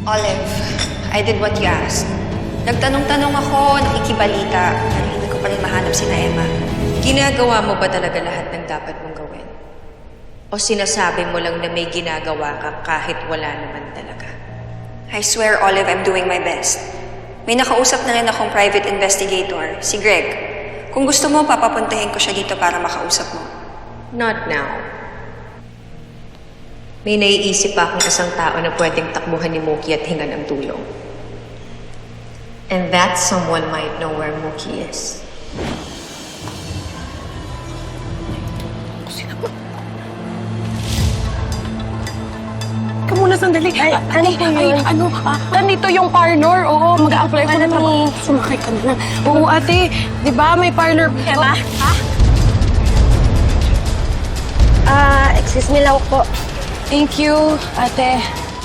Olive, I did what you asked. Nagtanong-tanong ako, nakikibalita, pero hindi ko pa rin mahanap sina Emma. Ginagawa mo ba talaga lahat ng dapat mong gawin? O sinasabi mo lang na may ginagawa ka kahit wala naman talaga? I swear, Olive, I'm doing my best. May nakausap na rin akong private investigator, si Greg. Kung gusto mo, papapuntahin ko siya dito para makausap mo. Not now. May naiisip pa akong isang tao na pwedeng takbuhan ni Mookie at hingan ng tulong. And that someone might know where Mookie is. Ka muna sandali. Ano po yun? Nandito yung parlor. Oo, mag-a-apply ko na trabaho. Sumakay ka na. Oo, ate. Di ba may parlor? Emma? Excuse me lang po. Thank you, ate.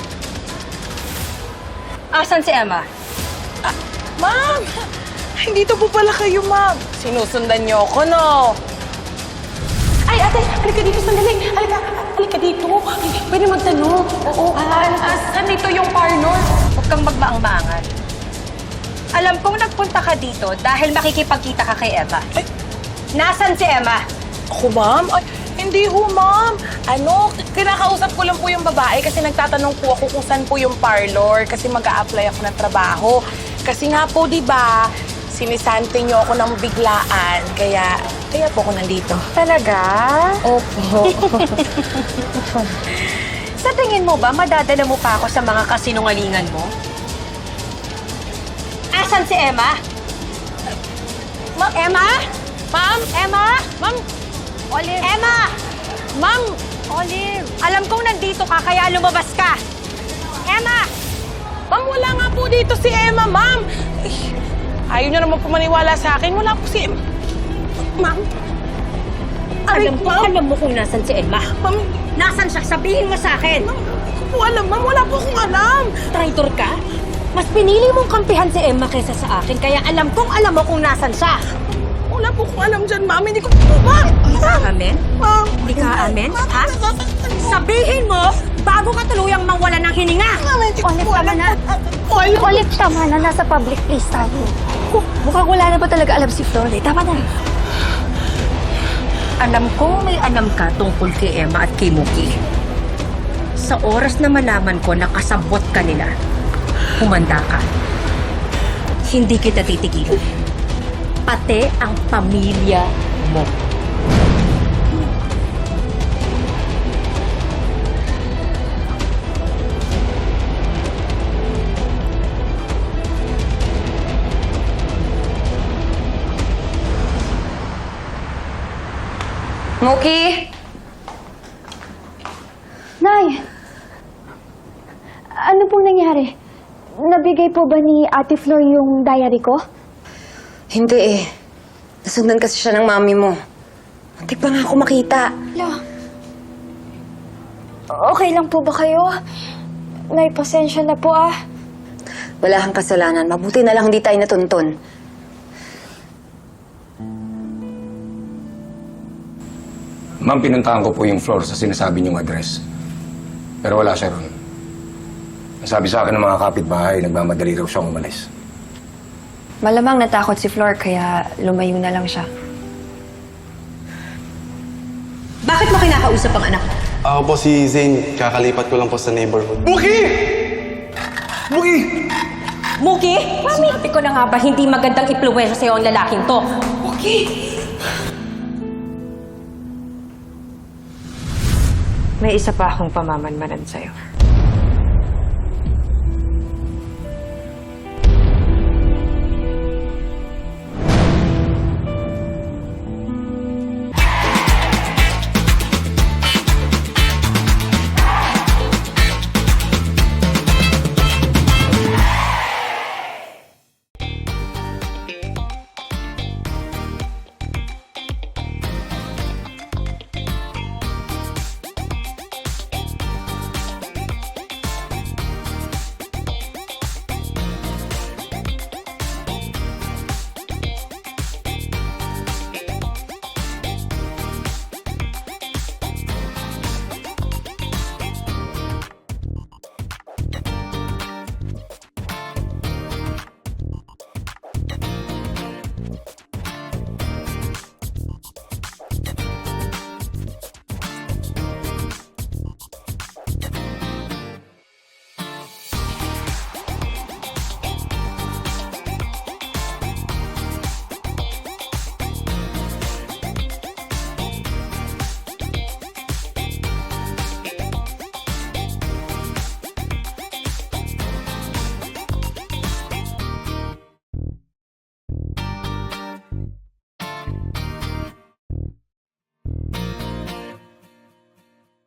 Asan si Emma? Ma'am! Ay, dito po pala kayo, ma'am. Sinusundan niyo ako, no? Ay, ate, halika dito sandali. Halika dito. Pwede magtanong. Oo. Nandito yung parlor. Huwag kang magmaang-maangan. Alam kong nagpunta ka dito dahil makikipagkita ka kay Emma. Ay. Nasaan si Emma? Ako, ma'am? Ay, hindi ho, ma'am. Kinakausap ko lang po yung babae kasi nagtatanong po ako kung saan po yung parlor kasi mag-a-apply ako ng trabaho. Kasi nga po, di ba, sinisante niyo ako ng biglaan. Kaya po ako nandito. Talaga? Opo. Sa tingin mo ba, madadala mo pa ako sa mga kasinungalingan mo? Asan si Emma? Emma? Ma'am? Emma? Ma'am? Olive? Emma! Ma'am? Olive! Alam kong nandito ka, kaya lumabas ka. Emma! Ma'am, wala nga po dito si Emma, ma'am. Ay, ayaw niyo naman po maniwala sa akin. Wala po si Emma. Ma'am? Alam mo kung nasan si Emma. Ma'am, Nasan siya? Sabihin mo sa akin. hindi ko po alam, ma'am. Wala po akong alam. Traitor ka? Mas pinili mong kampihan si Emma kaysa sa akin, kaya alam mo kung nasan siya. Wala po akong alam dyan, ma'am. Hindi ko po, ma'am. Hindi ka amin? Ma'am. Hindi ka amin? Ma'am, Ha? Sabihin mo, bago ka tuluyang mawala ng hininga. Ma'am, hindi ko po alam. Olive, tama na. Nasa public place tayo. Mukhang wala na ba talaga alam si Flor? Tama na. Alam kong may alam ka tungkol kay Emma at kay Mookie. Sa oras na malaman ko na kasabot ka nila, humanda ka. Hindi kita titigilan. Pati ang pamilya mo. Mookie! Nay! Ano pong nangyari? Nabigay po ba ni Ate Flor yung diary ko? Hindi eh. Nasundan kasi siya ng mami mo. Muntik pa nga ako makita. Lo. Okay lang po ba kayo? Nay, pasensya na po ah. Wala kang kasalanan. Mabuti na lang hindi tayo natuntun. Ma'am, pinuntahan ko po yung floor sa sinasabi niyong address. Pero wala siya ron. Nasabi sa akin ng mga kapitbahay, nagmamadali raw siyang umalis. Malamang natakot si Flor, kaya lumayo na lang siya. Bakit mo kinakausap ang anak mo? Ako po si Zane. Kakalipat ko lang po sa neighborhood. Mookie! Mookie! Mookie! Sinabi ko na nga ba hindi magandang impluwensya sa'yo ang lalaking to? May isa pa akong pamamanmanan sa'yo.